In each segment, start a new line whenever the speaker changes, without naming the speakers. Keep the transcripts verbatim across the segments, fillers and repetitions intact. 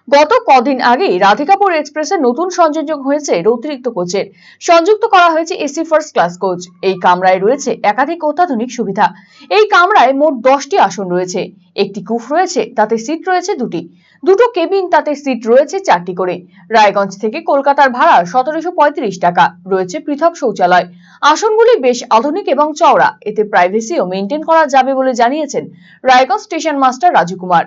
গত কদিন আগেই রাধিকাপুর এক্সপ্রেসে নতুন সংযোজন হয়েছে অতিরিক্ত কোচের সংযুক্ত করা হয়েছে এসি ফার্স্ট ক্লাস কোচ। এই কামরায় রয়েছে একাধিক অত্যাধুনিক সুবিধা। এই কামরায় মোট দশটি আসন রয়েছে, একটি কুফ রয়েছে, তাতে সিট রয়েছে দুটি, দুটো কেবিন, তাতে সিট রয়েছে চারটি করে। রায়গঞ্জ থেকে কলকাতার ভাড়া সতেরোশো পঁয়ত্রিশ টাকা। রয়েছে পৃথক শৌচালয়। আসনগুলি বেশ আধুনিক এবং চওড়া, এতে প্রাইভেসিও মেনটেন করা যাবে বলে জানিয়েছেন রায়গঞ্জ স্টেশন মাস্টার রাজু কুমার।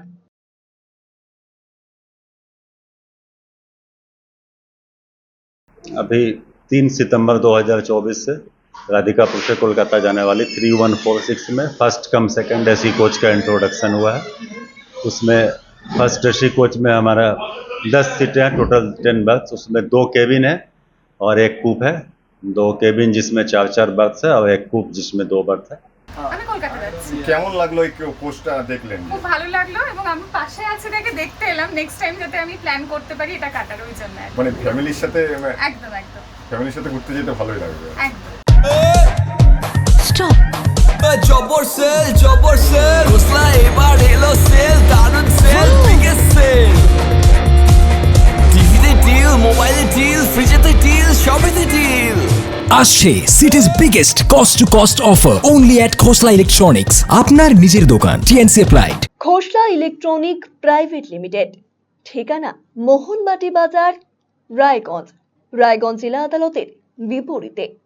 अभी तीन सितंबर दो हज़ार चौबीस से राधिकापुर से कोलकाता जाने वाली थ्री वन फोर सिक्स में first cum second AC coach का इंट्रोडक्शन हुआ है। उसमें फर्स्ट एसी कोच में हमारा दस सीटें हैं, टोटल टेन बर्थ। उसमें दो केबिन है और एक कूप है। दो केबिन जिसमें चार चार बर्थ है और एक कूप जिसमें दो बर्थ है।
আমি কলকাতা যাচ্ছি।
কেমন লাগলো এই পোস্টটা দেখলেন?
খুব ভালো লাগলো এবং আমি পাশে আছি দেখে দেখতে এলাম, নেক্সট টাইম যাতে আমি প্ল্যান করতে পারি এটা কাটার ওই জন্য।
মানে ফ্যামিলির সাথে
একদম একদম
ফ্যামিলির সাথে ঘুরতে যেতে ভালোই লাগবে।
একদম।
স্টপ। জবর সেল জবর সেল হোসলা এবার এলো সেল, দারুন সেল, বিগেস্ট সেল। টিভিতে ডিল, মোবাইলে ডিল, ফ্রিজেতে ডিল, সবেতে ডিল।
আসছে city's biggest cost to cost offer only at Khosla electronics, আপনার নিজের দোকান। TNC applied.
Khosla electronic private limited, ঠিকানা মোহনবাটি বাজার, রায়গঞ্জ। রায়গঞ্জ জেলা আদালতের বিপরীতে।